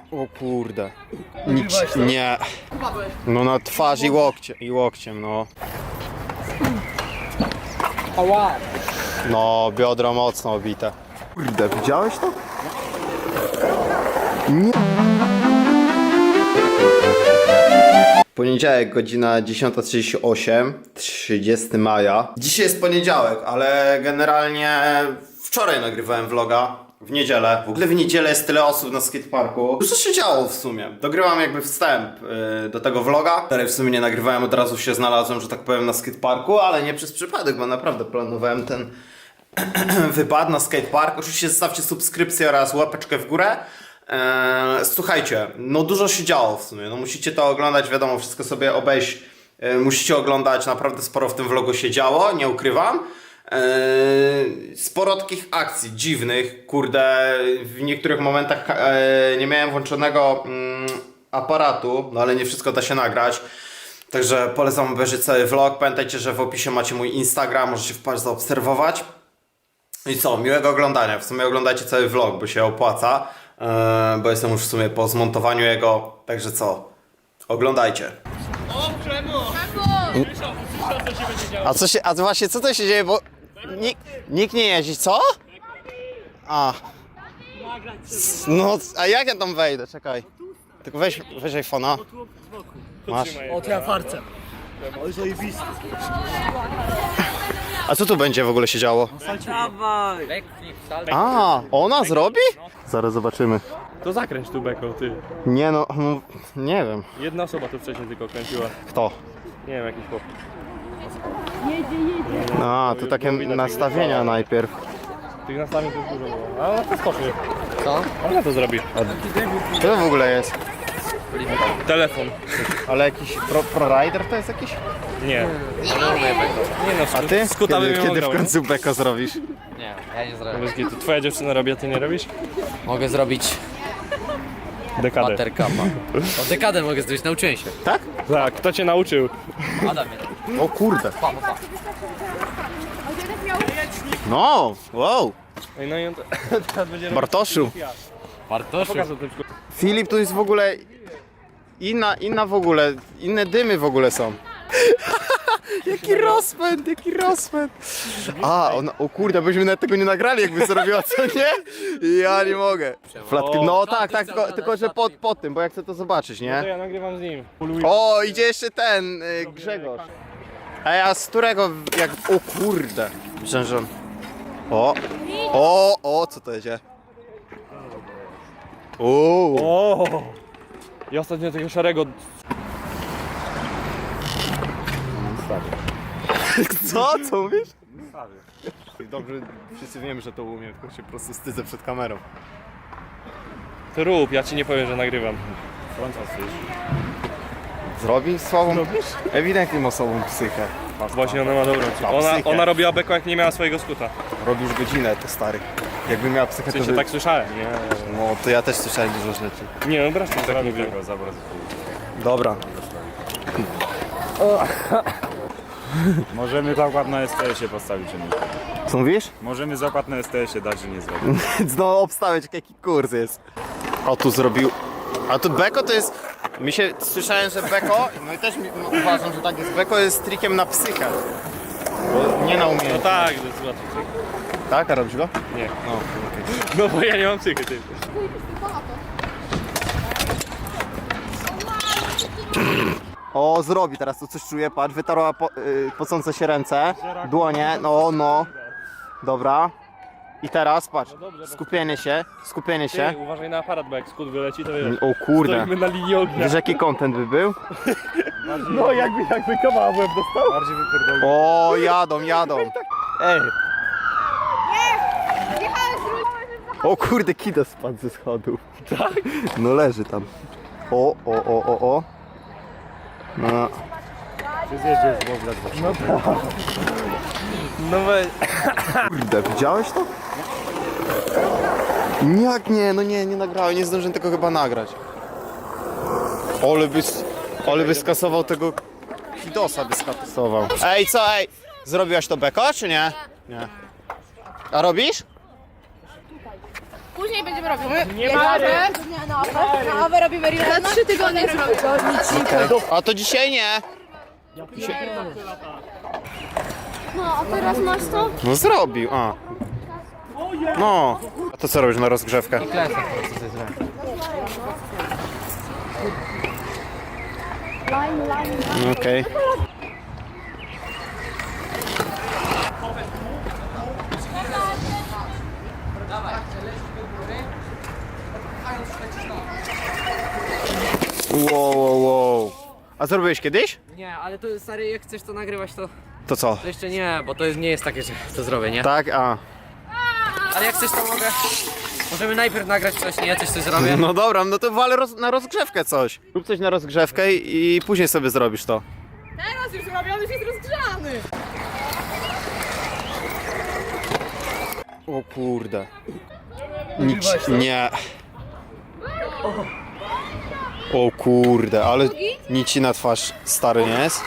O kurde. Nie. No na twarz i łokciem, no. No, biodro mocno obite. Kurde, widziałeś to? Nie. Poniedziałek, godzina 10:38, 30 maja. Dzisiaj jest poniedziałek, ale generalnie wczoraj nagrywałem vloga. W niedzielę. W ogóle w niedzielę jest tyle osób na skateparku. Dużo się działo w sumie. Dogrywam jakby wstęp do tego vloga, który w sumie nie nagrywałem, od razu się znalazłem, że tak powiem, na skateparku, ale nie przez przypadek, bo naprawdę planowałem ten wypad na skatepark. Oczywiście zostawcie subskrypcję oraz łapeczkę w górę. Słuchajcie, no dużo się działo w sumie. No musicie to oglądać, wiadomo, wszystko sobie obejść. Musicie oglądać, naprawdę sporo w tym vlogu się działo, nie ukrywam. Sporo takich akcji dziwnych, kurde, w niektórych momentach nie miałem włączonego aparatu, no ale nie wszystko da się nagrać. Także polecam obejrzeć cały vlog. Pamiętajcie, że w opisie macie mój Instagram, możecie wpaść zaobserwować. I co, miłego oglądania. W sumie oglądajcie cały vlog, bo się opłaca, bo jestem już w sumie po zmontowaniu jego. Także co, oglądajcie. O, Przemo! A właśnie co to się dzieje, bo nikt nie jeździ, co? A. No, a jak ja tam wejdę? Czekaj. Tylko weź iPhone'a. Masz. O, to ja farcem. Oj, zajebisty. A co tu będzie w ogóle się działo? Dawaj! A, ona zrobi? Zaraz zobaczymy. To zakręć tu beko, ty. Nie no, nie wiem. Jedna osoba tu wcześniej tylko kręciła. Kto? Nie wiem, jakiś chłop. A, tu takie nastawienia najpierw. Tych nastawień to jest dużo było. A ona to skoczy. Co? Ona to zrobi. Co to w ogóle jest? Telefon. Ale jakiś ProRider to jest jakiś? Nie. Nie no, A ty? skutamy Kiedy w końcu beko zrobisz? Nie, ja nie zrobię. To twoja dziewczyna robi, a ty nie robisz? Mogę zrobić Dekadę. buttercupa. O, dekadę mogę zrobić, nauczyłem się. Tak? Tak, kto cię nauczył? Adam mnie. O kurde. Pa. No, wow. Ej, no i on teraz będzie robił. Bartoszu. Bartoszu. Pokażę to tylko. Filip, tu jest w ogóle inna w ogóle, inne dymy w ogóle są. Jaki rozpęd. A, o kurde, byśmy nawet tego nie nagrali, jakby zrobiła, co nie? Ja nie mogę. Flatki, no tak, tylko że po tym, bo ja chcę to zobaczyć, To nie? ja nagrywam z nim. O, idzie jeszcze ten, Grzegorz. Ej, a z którego, jak, o kurde. Myślę, że on... O, co to jedzie? O! I ostatnio tego szarego. Co mówisz? Dobrze, wszyscy wiemy, że to umiem, tylko się po prostu wstydzę przed kamerą. To rób, ja ci nie powiem, że nagrywam. Zrobi słabą? Ewidentnie ma słabą psychę. Właśnie ona ma dobrą. psychę. Ona robiła beko, jak nie miała swojego skuta. Robi już godzinę, to stary. Jakby miała psychę, W to sensie by... tak słyszałem, nie? No, to ja też słyszałem dużo rzeczy. Nie, no wreszcie tak mówię. Dobra. Możemy zakład na STS-ie postawić, czy nie? Co mówisz? Możemy zakład na STS-ie dać, że nie zrobił. No, obstawiać, jaki kurs jest. O, tu zrobił... A tu beko to jest... Słyszałem, że beko, no i też uważam, że tak jest. Beko jest trikiem na psychę. Bo nie na No umiejętność. tak, to jest łatwo. Tak, a robisz go? Nie. No, okej. No bo ja nie mam psychy, ty. O, zrobi teraz, tu coś czuję, patrz, wytarła pocące się ręce, dłonie, no. Dobra. I teraz, patrz, skupienie się. Ty, uważaj na aparat, bo jak skut wyleci, to wiesz. O kurde. Stoimy na linii ognia. Wiesz, jaki content by był? No jakby kawał w łeb dostał. Bardziej wypierdolony. O, jadą. Ej. O kurde, kida spadł ze schodów. Tak? No leży tam. O. No. Czy zjeździł w ogóle dwa? No weź. Kurde, widziałeś to? Jak nie? No nie nagrałem, nie zdążyłem tego chyba nagrać. Ole by skasował tego Hidosa, by skasował. Ej, co? Zrobiłaś to beko, czy nie? Nie. A robisz? później będziemy robić. Nie ma na awę robimy real. Za 3 tygodnie zrobić. A to dzisiaj nie. No, a teraz masz to? No zrobił, a. No. A to co robisz na rozgrzewkę? Okej. Wow. A zrobiłeś kiedyś? Nie, ale to stary, jak chcesz to nagrywać, to To co? jeszcze nie, bo to nie jest takie, że to zrobię, nie? Tak, a. Ale jak chcesz, to mogę. Możemy najpierw nagrać coś, nie? Coś zrobię. No dobra, no to walę na rozgrzewkę coś. Rób coś na rozgrzewkę i później sobie zrobisz to. Teraz już zrobiony, już jest rozgrzany. O kurde. Nie. O kurde, ale nic ci na twarz stary nie jest?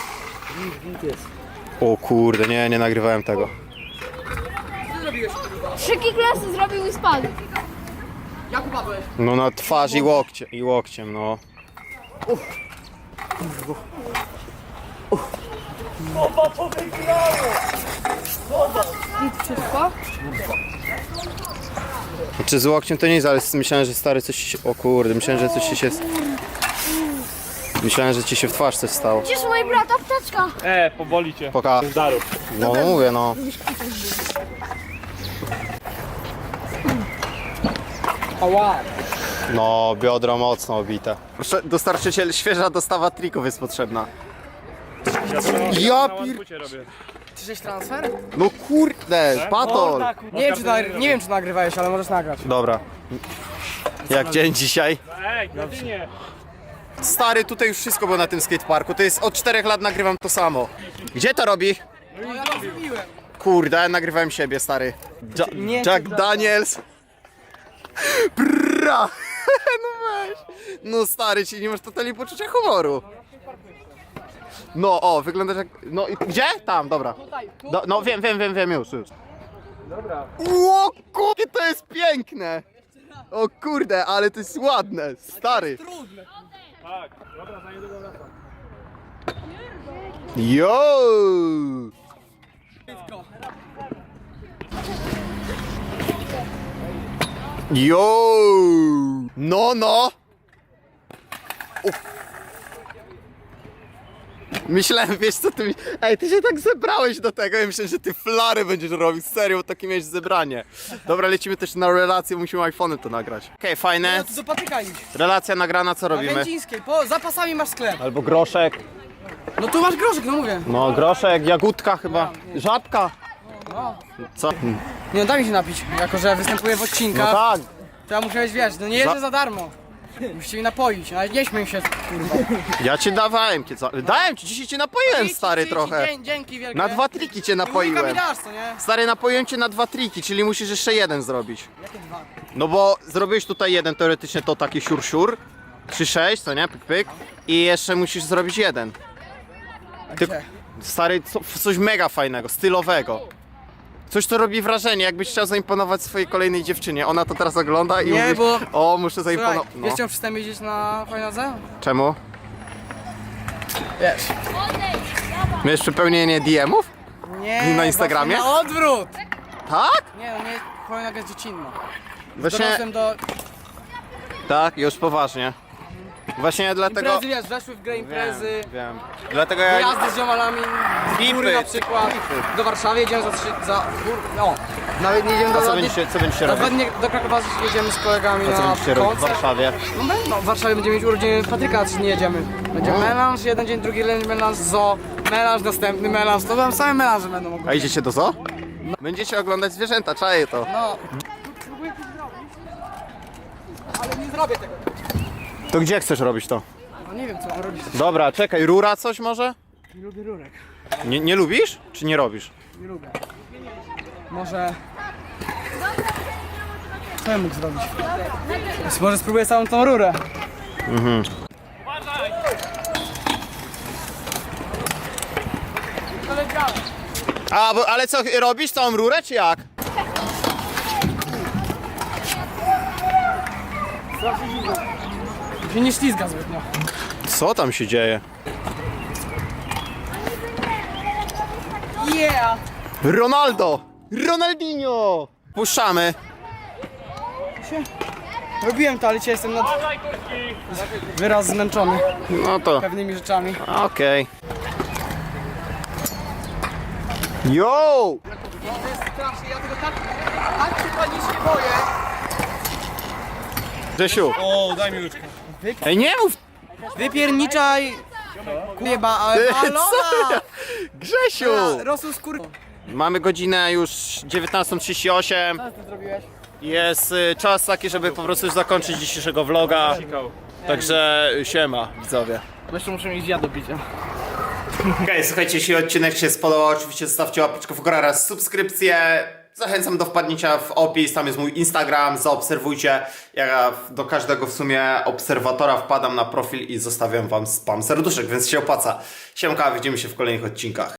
O kurde, nie nagrywałem tego. 3 kiklasy zrobił i spadł. Jak upadłeś? No na twarz i łokciem, no. Wszystko? Czy z łokciem to nie jest, ale myślałem, że stary coś ci się... O kurde, myślałem, że coś ci się... Myślałem, że ci się w twarz coś stało. Gdzież u mojej brata apteczka? Powoli cię. Poka. No mówię, no. No, biodro mocno obite. Dostarczyciel, świeża dostawa trików jest potrzebna. Ja pier... robię. Czyżeś transfer? No kurde, patol. Nie wiem czy nagrywałeś, ale możesz nagrać. Dobra. Jak dzień dzisiaj? Ej, nie. Stary, tutaj już wszystko było na tym skateparku. To jest od 4 lat nagrywam to samo. Gdzie to robi? No ja to zrobiłem. Kurde, ja nagrywałem siebie, stary. Jack Daniels. Brrra. No weź. No stary, ci nie masz totalnie poczucia humoru. No, o, wyglądasz jak... No i gdzie? Tam, dobra. No wiem już. Dobra. O kurde, to jest piękne. O kurde, ale to jest ładne, stary. Tak, dobra, za niedługo wracam. Yo! Yo! No! Myślałem, wiesz co ty mi... Ej, ty się tak zebrałeś do tego i myślę, że ty flary będziesz robił, serio, takie miałeś zebranie. Dobra, lecimy też na relację, musimy iPhone'em to nagrać. Okej, fajne. No to do patyka idź. Relacja nagrana, co Na robimy? Wędzińskiej, za pasami masz sklep. Albo groszek. No tu masz groszek, no mówię. No, groszek, jagódka chyba. Żabka. Co? Nie no, daj mi się napić, jako że występuję w No odcinkach. tak. To ja muszę wiesz, no nie jeżdżę za darmo. Musicie mi napoić, ale nie śmiej się, kurwa. Ja ci dawałem, dałem ci, dzisiaj cię napoiłem, stary, trochę. Dzięki wielkie. Na 2 triki cię I łyka mi napoiłem. dasz, to nie? Stary, napoiłem cię na 2 triki, czyli musisz jeszcze jeden zrobić. Jakie 2? No bo zrobiłeś tutaj jeden, teoretycznie to taki siur. 3-6, co nie? Pyk. I jeszcze musisz zrobić jeden. Ty, Gdzie? stary, coś mega fajnego, stylowego. Coś, co robi wrażenie, jakbyś chciał zaimponować swojej kolejnej dziewczynie. Ona to teraz ogląda i Nie, mówisz, bo- o, muszę Słuchaj, zaimponować. No. wiesz czemu przestałem jeździć na fajnodze? Czemu? Wiesz. Miałeś przepełnienie DM-ów? Nie, Na Instagramie? właśnie na odwrót! Tak? Nie, no nie, fajnoga jest dziecinna. Właśnie, Dorosłem do tak, już poważnie. Właśnie dlatego... imprezy, wiesz, weszły w grę imprezy, Wiem. Dlatego ja... jazdy z ziomalami, z góry na przykład, do Warszawy jedziemy no, nawet nie jedziemy do A co Lody, będziecie robić? do Krakowa jedziemy z kolegami Co na będziecie robić w koncert. Warszawie? No, w Warszawie będziemy mieć urodziny Patryka, a 3 dni jedziemy. Będzie melanż, jeden dzień, drugi dzień melanż, zoo, melanż, następny melanż, to tam same melanże będą A ogólnie. idziecie do zoo? Będziecie oglądać zwierzęta, czaję to. No, próbuję to zrobić, ale nie zrobię tego. To gdzie chcesz robić to? No nie wiem co mam robić, Dobra, czekaj, rura coś może? nie lubię rurek, Nie lubisz? Czy nie robisz? nie lubię. Może... Co ja mógł zrobić? Może spróbuję całą tą rurę. Ale co, robisz całą rurę, czy jak? Się nie ślizga zbytnio. Co tam się dzieje? Yeah! Ronaldo! Ronaldinho! Puszczamy. Robiłem to, ale dzisiaj jestem wyraz zmęczony No to pewnymi rzeczami. okej. Yo! To jest strasznie, ja tego tak się panicznie boję. Grzesiu. O, daj mi łyczkę. Ej, nie mów! Wypierniczaj! Kurwa, ale Ty, balona! co ja? Grzesiu! Rosół skór... Mamy godzinę już 19:38. Co ty zrobiłeś? Jest czas taki, żeby po prostu już zakończyć dzisiejszego vloga. Także siema, widzowie. Jeszcze muszę mieć ja do picia. Okej, słuchajcie, jeśli odcinek się spodobał, oczywiście zostawcie łapeczkę w górę oraz subskrypcję. Zachęcam do wpadnięcia w opis, tam jest mój Instagram, zaobserwujcie. Ja do każdego w sumie obserwatora wpadam na profil i zostawiam wam spam serduszek, więc się opłaca. Siemka, widzimy się w kolejnych odcinkach.